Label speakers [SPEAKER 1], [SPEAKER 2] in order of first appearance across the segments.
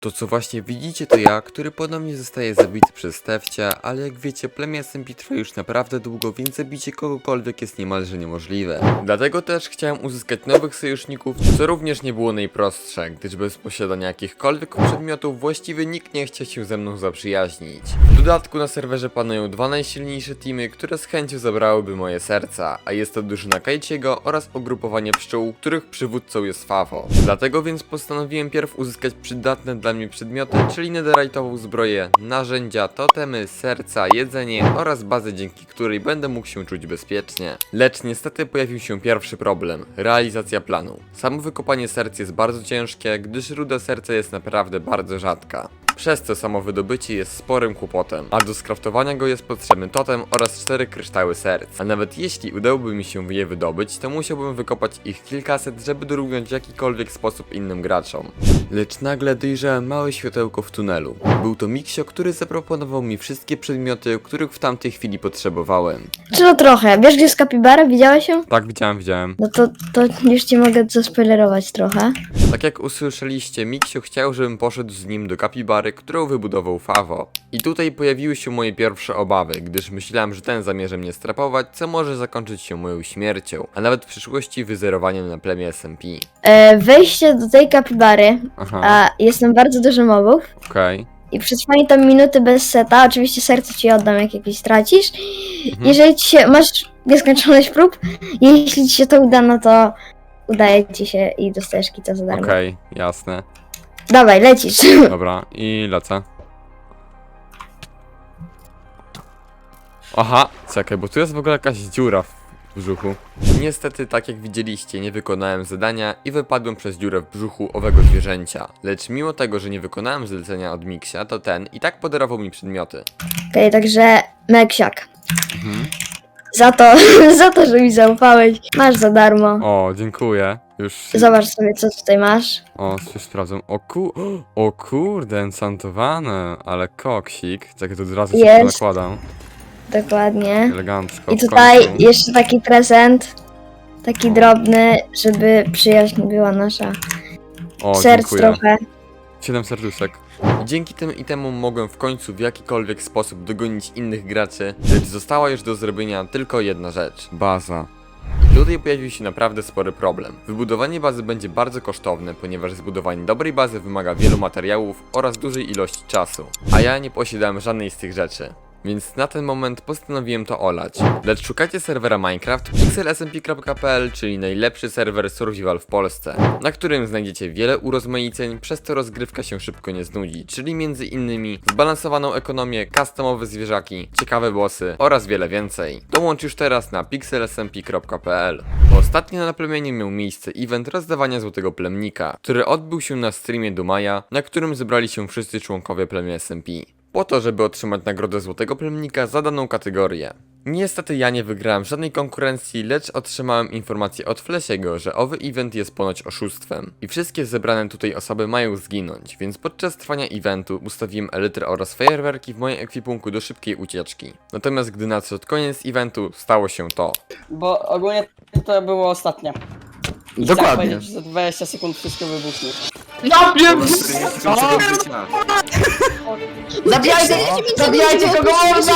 [SPEAKER 1] To co właśnie widzicie to ja, który ponownie zostaje zabity przez Stefcia, ale jak wiecie plemię SMP trwa już naprawdę długo, więc zabicie kogokolwiek jest niemalże niemożliwe. Dlatego też chciałem uzyskać nowych sojuszników, co również nie było najprostsze, gdyż bez posiadania jakichkolwiek przedmiotów właściwie nikt nie chciał się ze mną zaprzyjaźnić. W dodatku na serwerze panują dwa najsilniejsze teamy, które z chęcią zabrałyby moje serca, a jest to drużyna Kaichiego oraz ugrupowanie pszczół, których przywódcą jest Favo. Dlatego więc postanowiłem pierw uzyskać przydatne dla mnie przedmioty, czyli netherite'ową zbroję, narzędzia, totemy, serca, jedzenie oraz bazę, dzięki której będę mógł się czuć bezpiecznie. Lecz niestety pojawił się pierwszy problem – realizacja planu. Samo wykopanie serc jest bardzo ciężkie, gdyż ruda serca jest naprawdę bardzo rzadka. Przez co samo wydobycie jest sporym kłopotem, a do skraftowania go jest potrzebny totem oraz 4 kryształy serc. A nawet jeśli udałoby mi się je wydobyć, to musiałbym wykopać ich kilkaset, żeby dorównać w jakikolwiek sposób innym graczom. Lecz nagle dojrzałem małe światełko w tunelu. Był to Miksio, który zaproponował mi wszystkie przedmioty, których w tamtej chwili potrzebowałem.
[SPEAKER 2] Czy no trochę. Wiesz, gdzie jest kapibara? Widziałeś ją?
[SPEAKER 1] Tak, widziałem.
[SPEAKER 2] No to już ci mogę zaspoilerować trochę.
[SPEAKER 1] Tak jak usłyszeliście, Miksio chciał, żebym poszedł z nim do kapibary, którą wybudował Favo. I tutaj pojawiły się moje pierwsze obawy, gdyż myślałem, że ten zamierza mnie strapować, co może zakończyć się moją śmiercią, a nawet w przyszłości wyzerowaniem na plemię SMP.
[SPEAKER 2] Wejście do tej kapibary,
[SPEAKER 1] Aha,
[SPEAKER 2] a jest tam bardzo dużo mobów.
[SPEAKER 1] okej.
[SPEAKER 2] I przetrwanie tam minuty bez seta, oczywiście serce ci oddam, jak jakieś stracisz.
[SPEAKER 1] Mhm.
[SPEAKER 2] Jeżeli ci się, masz nieskończoność prób, jeśli ci się to uda, no to udaje ci się i dostajesz kita za darmo.
[SPEAKER 1] Okej, jasne.
[SPEAKER 2] Dawaj, lecisz.
[SPEAKER 1] Dobra, i lecę. Aha, czekaj, bo tu jest w ogóle jakaś dziura w brzuchu. Niestety, tak jak widzieliście, nie wykonałem zadania i wypadłem przez dziurę w brzuchu owego zwierzęcia. Lecz mimo tego, że nie wykonałem zlecenia od Miksia, to ten i tak podarował mi przedmioty.
[SPEAKER 2] Okej, także Meksiak.
[SPEAKER 1] Mhm.
[SPEAKER 2] Za to, że mi zaufałeś, masz za darmo.
[SPEAKER 1] O, dziękuję. Już...
[SPEAKER 2] Zobacz sobie, co tutaj masz.
[SPEAKER 1] O, już sprawdzam. O kurde, enchantowane, ale koksik. Czekaj, to od razu się
[SPEAKER 2] Jest.
[SPEAKER 1] nakładam.
[SPEAKER 2] Dokładnie.
[SPEAKER 1] Elegancko.
[SPEAKER 2] I
[SPEAKER 1] w
[SPEAKER 2] tutaj
[SPEAKER 1] końcu.
[SPEAKER 2] jeszcze taki prezent. Taki
[SPEAKER 1] O.
[SPEAKER 2] drobny, żeby przyjaźń była nasza.
[SPEAKER 1] O,
[SPEAKER 2] Serc
[SPEAKER 1] dziękuję.
[SPEAKER 2] trochę.
[SPEAKER 1] 7 serduszek. Dzięki tym itemom mogłem w końcu w jakikolwiek sposób dogonić innych graczy, lecz została już do zrobienia tylko jedna rzecz. Baza. I tutaj pojawił się naprawdę spory problem. Wybudowanie bazy będzie bardzo kosztowne, ponieważ zbudowanie dobrej bazy wymaga wielu materiałów oraz dużej ilości czasu. A ja nie posiadałem żadnej z tych rzeczy. Więc na ten moment postanowiłem to olać. Lecz szukacie serwera Minecraft pixelsmp.pl, czyli najlepszy serwer survival w Polsce, na którym znajdziecie wiele urozmaiceń, przez co rozgrywka się szybko nie znudzi, czyli między innymi zbalansowaną ekonomię, customowe zwierzaki, ciekawe bossy oraz wiele więcej. Dołącz już teraz na pixelsmp.pl. Ostatnio na plemieniu miał miejsce event rozdawania złotego plemnika, który odbył się na streamie do maja, na którym zebrali się wszyscy członkowie plemienia SMP. Po to, żeby otrzymać nagrodę Złotego Plemnika za daną kategorię. Niestety ja nie wygrałem żadnej konkurencji, lecz otrzymałem informację od Flesiego, że owy event jest ponoć oszustwem. I wszystkie zebrane tutaj osoby mają zginąć, więc podczas trwania eventu ustawiłem elytry oraz fajerwerki w moim ekwipunku do szybkiej ucieczki. Natomiast gdy nadszedł koniec eventu, stało się to.
[SPEAKER 3] Bo ogólnie to było ostatnie. I
[SPEAKER 4] Dokładnie.
[SPEAKER 3] chciałem powiedzieć, że za 20 sekund wszystko wybuchnie.
[SPEAKER 4] Ja wiem! Zabijajcie kogo można!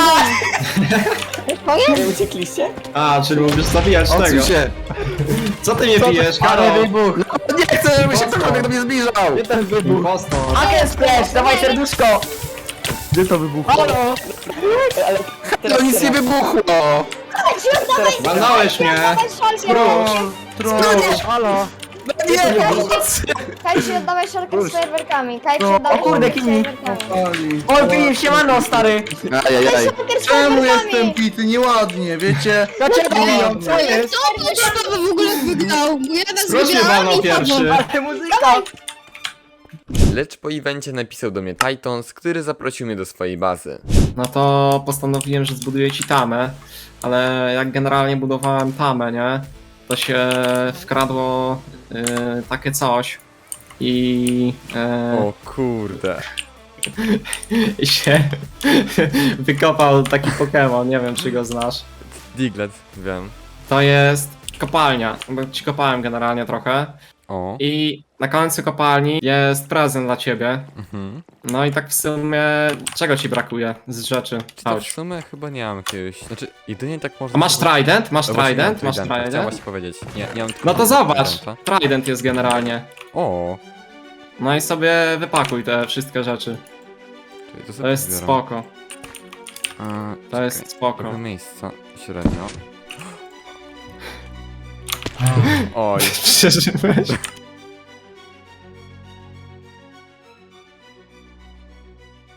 [SPEAKER 3] Nie uciekliście?
[SPEAKER 5] A, czyli mówisz zabijać tego.
[SPEAKER 4] Odsuń się!
[SPEAKER 5] Co ty nie pijesz,
[SPEAKER 4] Ale
[SPEAKER 5] Karol?
[SPEAKER 4] wybuch! No, nie chcę, żeby się ktokolwiek do mnie zbliżał!
[SPEAKER 5] Ten wybuch. Impostor.
[SPEAKER 4] Aken splash, dawaj serduszko! Gdzie to wybuchło? Halo!
[SPEAKER 3] Ale
[SPEAKER 4] To nic nie wybuchło!
[SPEAKER 5] Walnąłeś mnie. Spróć.
[SPEAKER 4] Halo! No nie, pomocy!
[SPEAKER 6] Kajci, oddawaj szarkę z fajerwerkami. Kajci,
[SPEAKER 4] No,
[SPEAKER 6] oddawaj
[SPEAKER 4] o kurde,
[SPEAKER 6] szarkę z
[SPEAKER 4] Kimi.
[SPEAKER 6] fajerwerkami.
[SPEAKER 4] O, Filip, siemano, stary! Ajajaj.
[SPEAKER 6] Szarkę z
[SPEAKER 7] Czemu
[SPEAKER 6] fajerwerkami.
[SPEAKER 7] jestem pity? Nieładnie, wiecie?
[SPEAKER 4] Dlaczego biją? Co jest?
[SPEAKER 8] Kto to szkoły w ogóle wygrał? Bo ja nas
[SPEAKER 5] Proszę
[SPEAKER 8] wygrałam
[SPEAKER 5] walnął
[SPEAKER 8] i padłam.
[SPEAKER 5] pierwszy.
[SPEAKER 4] Ale muzyka!
[SPEAKER 1] Lecz po evencie napisał do mnie Titans, który zaprosił mnie do swojej bazy.
[SPEAKER 5] No to postanowiłem, że zbuduję ci tamę, ale jak generalnie budowałem tamę, nie? To się wkradło takie coś i
[SPEAKER 1] O kurde.
[SPEAKER 5] i się wykopał taki Pokémon, nie wiem czy go znasz.
[SPEAKER 1] Diglett, wiem.
[SPEAKER 5] To jest kopalnia, bo ci kopałem generalnie trochę
[SPEAKER 1] O.
[SPEAKER 5] I na końcu kopalni jest prezent dla ciebie.
[SPEAKER 1] Mhm.
[SPEAKER 5] No i tak w sumie, czego ci brakuje z rzeczy?
[SPEAKER 1] Czy to w
[SPEAKER 5] Chodź.
[SPEAKER 1] sumie chyba nie mam jakiegoś. Znaczy, jedynie tak można.
[SPEAKER 5] A masz trident? Masz
[SPEAKER 1] No właśnie,
[SPEAKER 5] trident?
[SPEAKER 1] mam
[SPEAKER 5] Masz
[SPEAKER 1] tridenta, Chciałem
[SPEAKER 5] trident?
[SPEAKER 1] właśnie powiedzieć. Nie mam tylko
[SPEAKER 5] No to zobacz,
[SPEAKER 1] tridenta.
[SPEAKER 5] trident jest generalnie.
[SPEAKER 1] O,
[SPEAKER 5] No i sobie wypakuj te wszystkie rzeczy.
[SPEAKER 1] czyli to
[SPEAKER 5] To
[SPEAKER 1] sobie
[SPEAKER 5] jest
[SPEAKER 1] zbieram.
[SPEAKER 5] spoko,
[SPEAKER 1] A,
[SPEAKER 5] to jest spoko.
[SPEAKER 1] Trochę miejsca średnio. Oj,
[SPEAKER 5] Przeżyłeś?